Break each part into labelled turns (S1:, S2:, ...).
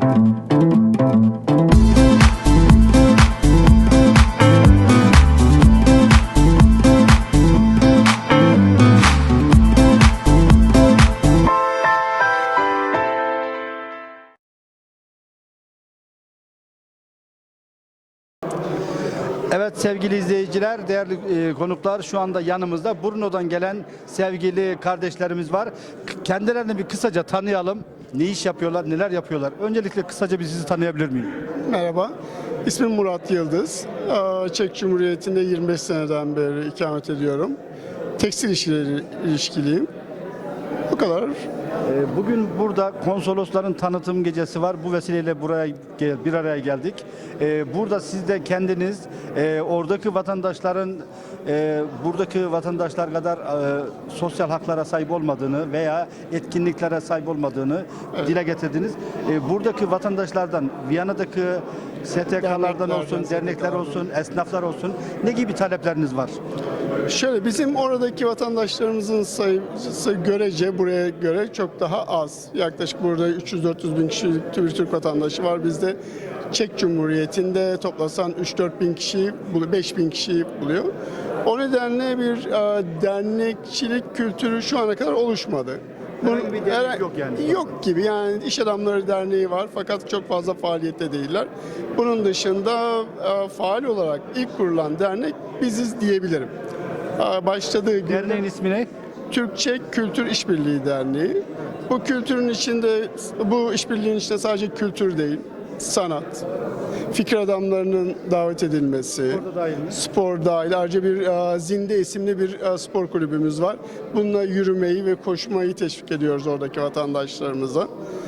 S1: Evet sevgili izleyiciler, değerli konuklar, şu anda yanımızda Brno'dan gelen sevgili kardeşlerimiz var. Kendilerini bir kısaca tanıyalım. Ne iş yapıyorlar, neler yapıyorlar? Öncelikle kısaca bir sizi tanıyabilir miyim?
S2: Merhaba, ismim Murat Yıldız. Çek Cumhuriyeti'nde 25 seneden beri ikamet ediyorum. Tekstil işleri ilişkiliyim. Bu kadar.
S1: Bugün burada konsolosların tanıtım gecesi var. Bu vesileyle buraya bir araya geldik. Burada siz de kendiniz oradaki vatandaşların buradaki vatandaşlar kadar sosyal haklara sahip olmadığını veya etkinliklere sahip olmadığını dile getirdiniz. Buradaki vatandaşlardan, Viyana'daki STK'lardan olsun, dernekler olsun, esnaflar olsun ne gibi talepleriniz var?
S2: Şöyle, bizim oradaki vatandaşlarımızın sayısı görece buraya göre çok daha az. Yaklaşık burada 300-400 bin kişilik bir Türk vatandaşı var. Bizde Çek Cumhuriyeti'nde toplasan 3-4 bin kişiyi, 5 bin kişiyi buluyor. O nedenle bir dernekçilik kültürü şu ana kadar oluşmadı.
S1: Herhangi bir dernek yok yani.
S2: Yok gibi, yani İş Adamları Derneği var fakat çok fazla faaliyette değiller. Bunun dışında faal olarak ilk kurulan dernek biziz diyebilirim. Başladığı gün
S1: Derneğin ismi ne?
S2: Türkçe Kültür İşbirliği Derneği. Bu kültürün içinde, bu işbirliğinin içinde sadece kültür değil, sanat, fikir adamlarının davet edilmesi, spor dahil. Ayrıca bir Zinde isimli bir spor kulübümüz var. Bununla yürümeyi ve koşmayı teşvik ediyoruz oradaki vatandaşlarımıza.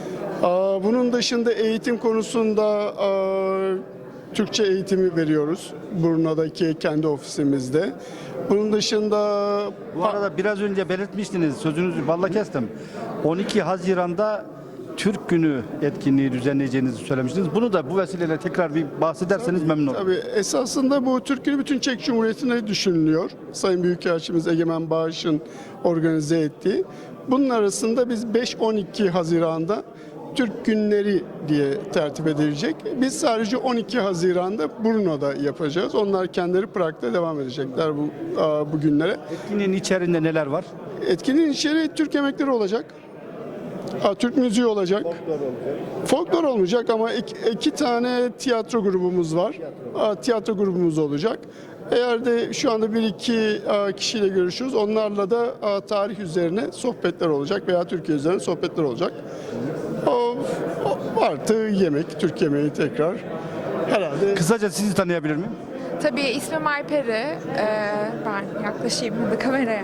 S2: Bunun dışında eğitim konusunda Türkçe eğitimi veriyoruz Brno'daki kendi ofisimizde. Bunun dışında...
S1: Bu arada biraz önce belirtmiştiniz, sözünüzü balla kestim. 12 Haziran'da Türk Günü etkinliği düzenleyeceğinizi söylemiştiniz. Bunu da bu vesileyle tekrar bir bahsederseniz memnun olurum.
S2: Tabii, esasında bu Türk Günü bütün Çek Cumhuriyeti'ne düşünülüyor. Sayın Büyükelçimiz Egemen Bağış'ın organize ettiği. Bunun arasında biz 5-12 Haziran'da Türk Günleri diye tertip edilecek. Biz sadece 12 Haziran'da Brno'da yapacağız. Onlar kendileri Prag'da devam edecekler bu günlere.
S1: Etkinliğin içerisinde neler var?
S2: Etkinliğin içeriği Türk yemekleri olacak. Türk müziği olacak. Folklor olmayacak ama iki tane tiyatro grubumuz var. Tiyatro grubumuz olacak. Eğer de şu anda bir iki kişiyle görüşüyoruz. Onlarla da tarih üzerine sohbetler olacak veya Türkiye üzerine sohbetler olacak. Artı yemek, Türk yemeği tekrar. Herhalde.
S1: Kısaca sizi tanıyabilir miyim?
S3: Tabii ismim Ayperi. Ben yaklaşayım da kameraya.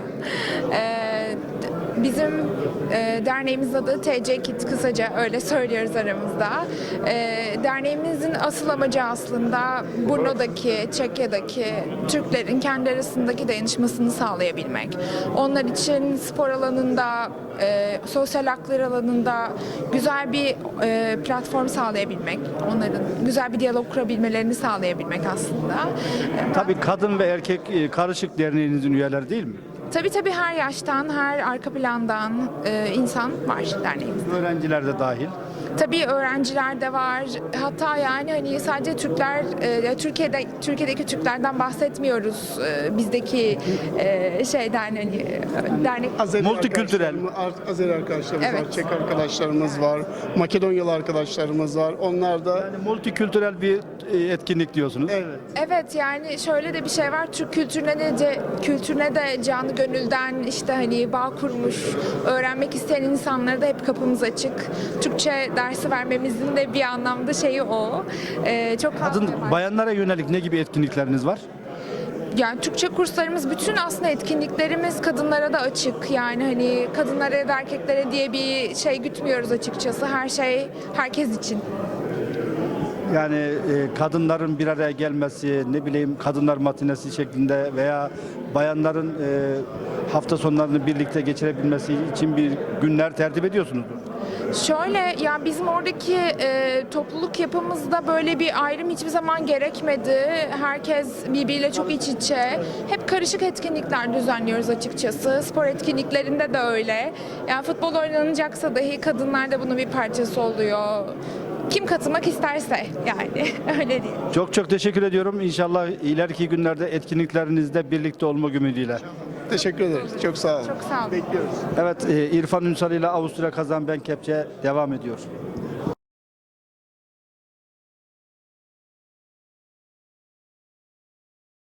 S3: Bizim derneğimizin adı TC Kit, kısaca öyle söylüyoruz aramızda. Derneğimizin asıl amacı aslında Brno'daki, Çekya'daki Türklerin kendi arasındaki dayanışmasını sağlayabilmek. Onlar için spor alanında, sosyal haklar alanında güzel bir platform sağlayabilmek, onların güzel bir diyalog kurabilmelerini sağlayabilmek aslında.
S1: Tabii kadın ve erkek karışık derneğinizin üyeleri değil mi?
S3: Tabii her yaştan, her arka plandan insan var derneğimizde.
S1: Öğrenciler de dahil.
S3: Tabii öğrenciler de var. Hatta yani hani sadece Türkler, Türkiye'deki Türklerden bahsetmiyoruz. Bizdeki şeyden hani dernek.
S1: Multikültürel.
S2: Azeri arkadaşlarımız
S3: Evet.
S2: var, Çek arkadaşlarımız var, Makedonyalı arkadaşlarımız var. Onlar da
S1: Yani multikültürel bir etkinlik diyorsunuz.
S2: evet.
S3: Evet, yani şöyle de bir şey var. Türk kültürüne de canı gönülden işte hani bağ kurmuş, öğrenmek isteyen insanlara da hep kapımız açık. Türkçe dersi vermemizin de bir anlamda şeyi o. Çok fazla var.
S1: Bayanlara yönelik ne gibi etkinlikleriniz var?
S3: Yani Türkçe kurslarımız, bütün aslında etkinliklerimiz kadınlara da açık. Yani hani kadınlara ya da erkeklere diye bir şey gütmüyoruz açıkçası. Her şey herkes için.
S1: Yani kadınların bir araya gelmesi, ne bileyim kadınlar matinesi şeklinde veya bayanların hafta sonlarını birlikte geçirebilmesi için bir günler tertip ediyorsunuzdur.
S3: Şöyle, ya bizim oradaki topluluk yapımızda böyle bir ayrım hiçbir zaman gerekmedi. Herkes birbiriyle çok iç içe. Hep karışık etkinlikler düzenliyoruz açıkçası. Spor etkinliklerinde de öyle. Yani futbol oynanacaksa dahi kadınlar da bunun bir parçası oluyor. Kim katılmak isterse yani öyle değil.
S1: Çok çok teşekkür ediyorum. İnşallah ileriki günlerde etkinliklerinizde birlikte olmak ümidiyle.
S2: Teşekkür ederiz. Çok sağ olun.
S3: Çok sağ olun.
S2: Bekliyoruz.
S1: Evet, İrfan Ünsal ile Avusturya Kazan Ben Kepçe devam ediyor.